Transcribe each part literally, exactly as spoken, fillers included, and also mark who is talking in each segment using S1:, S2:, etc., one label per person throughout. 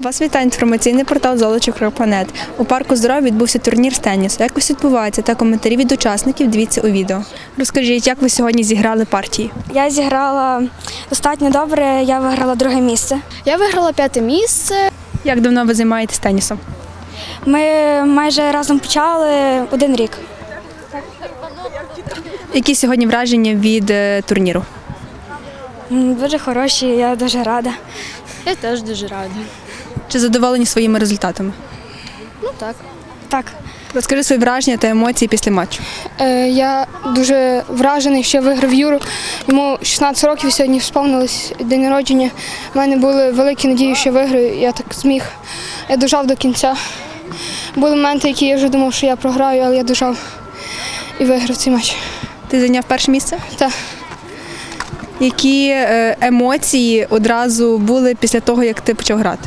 S1: Вас вітає інформаційний портал золочів крапка нет. У парку здоров'я відбувся турнір з тенісу. Як ось відбувається та коментарі від учасників, дивіться у відео. Розкажіть, як ви сьогодні зіграли партії?
S2: Я зіграла достатньо добре, я виграла друге місце.
S3: Я виграла п'яте місце.
S1: Як давно ви займаєтесь тенісом?
S2: Ми майже разом почали один рік.
S1: Які сьогодні враження від е, турніру?
S2: М, Дуже хороші, я дуже рада.
S3: Я теж дуже рада.
S1: Чи задоволені своїми результатами?
S3: Ну так.
S2: Так,
S1: Розкажи свої враження та емоції після матчу.
S3: Е, я дуже вражений, що я виграв Юру. Йому шістнадцять років сьогодні сповнилось день народження. У мене були великі надії, що я виграю. Я так зміг. Я дожав до кінця. Були моменти, які я вже думав, що я програю, але я дожав і виграв цей матч.
S1: Ти зайняв перше місце?
S3: Так.
S1: Які е, емоції одразу були після того, як ти почав грати?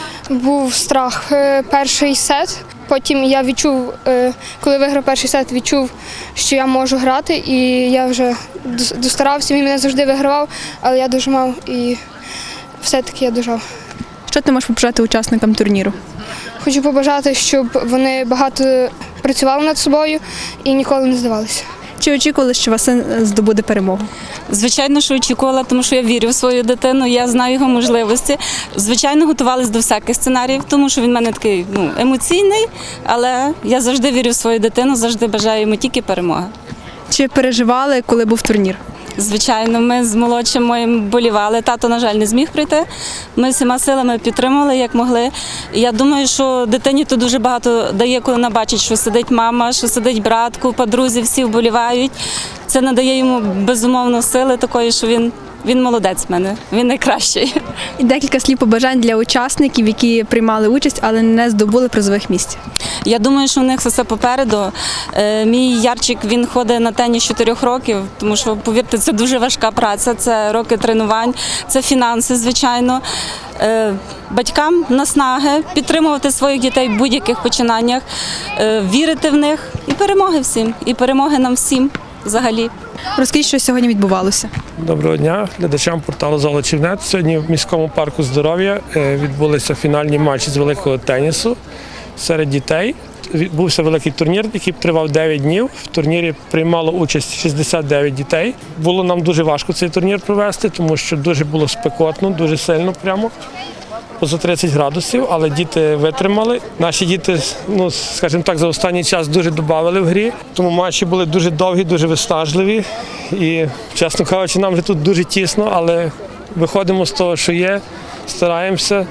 S3: Був страх е, перший сет. Потім я відчув, е, коли виграв перший сет, відчув, що я можу грати, і я вже дос- достарався. Він мене завжди вигравав, але я дожимав і все-таки я дожав.
S1: Що ти можеш побажати учасникам турніру?
S3: Хочу побажати, щоб вони багато працювали над собою і ніколи не здавалися.
S1: Чи очікували, що вас син здобуде перемогу?
S4: Звичайно, що очікувала, тому що я вірю в свою дитину, я знаю його можливості. Звичайно, готувалися до всяких сценаріїв, тому що він в мене такий ну, емоційний, але я завжди вірю в свою дитину, завжди бажаю йому тільки перемоги.
S1: Чи переживали, коли був турнір?
S4: Звичайно, ми з молодшим моїм болівали. Тато, на жаль, не зміг прийти. Ми всіма силами підтримували, як могли. І я думаю, що дитині тут дуже багато дає, коли вона бачить, що сидить мама, що сидить брат, купа друзів, всі вболівають. Це надає йому безумовно сили такої, що він, він молодець в мене, він найкращий.
S1: І декілька слів побажань для учасників, які приймали участь, але не здобули призових місць.
S4: Я думаю, що у них все попереду. Е, Мій Ярчик, він ходить на теніс з чотирьох років, тому що, повірте, це дуже важка праця, це роки тренувань, це фінанси, звичайно. Е, Батькам наснаги, підтримувати своїх дітей в будь-яких починаннях, е, вірити в них і перемоги всім, і перемоги нам всім взагалі.
S1: Розкажіть, що сьогодні відбувалося.
S5: Доброго дня глядачам порталу «Золочів крапка нет». Сьогодні в міському парку здоров'я е, відбулися фінальні матчі з великого тенісу серед дітей. Відбувся великий турнір, який тривав дев'ять днів. В турнірі приймало участь шістдесят дев'ять дітей. Було нам дуже важко цей турнір провести, тому що дуже було спекотно, дуже сильно прямо. Поза тридцять градусів, але діти витримали. Наші діти, ну, скажімо так, за останній час дуже додавали в грі. Тому матчі були дуже довгі, дуже виснажливі. І, чесно кажучи, нам вже тут дуже тісно, але виходимо з того, що є, стараємося.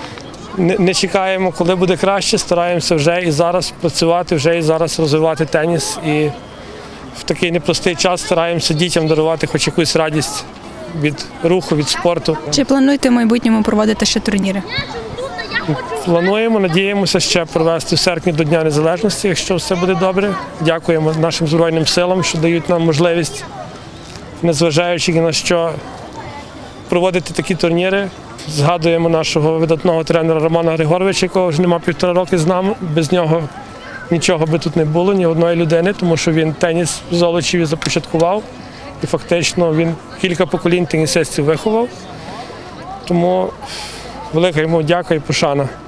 S5: Не, не чекаємо, коли буде краще, стараємося вже і зараз працювати, вже і зараз розвивати теніс. І в такий непростий час стараємося дітям дарувати хоч якусь радість від руху, від спорту.
S1: Чи плануєте в майбутньому проводити ще турніри?
S5: Плануємо, надіємося ще провести в серпні до Дня Незалежності, якщо все буде добре. Дякуємо нашим Збройним силам, що дають нам можливість, незважаючи ні на що, проводити такі турніри. Згадуємо нашого видатного тренера Романа Григоровича, якого вже нема півтора роки з нами. Без нього нічого би тут не було, ні одної людини, тому що він теніс в Золочеві започаткував. І фактично він кілька поколінь тенісистів виховав. Тому велика йому дяка і пошана.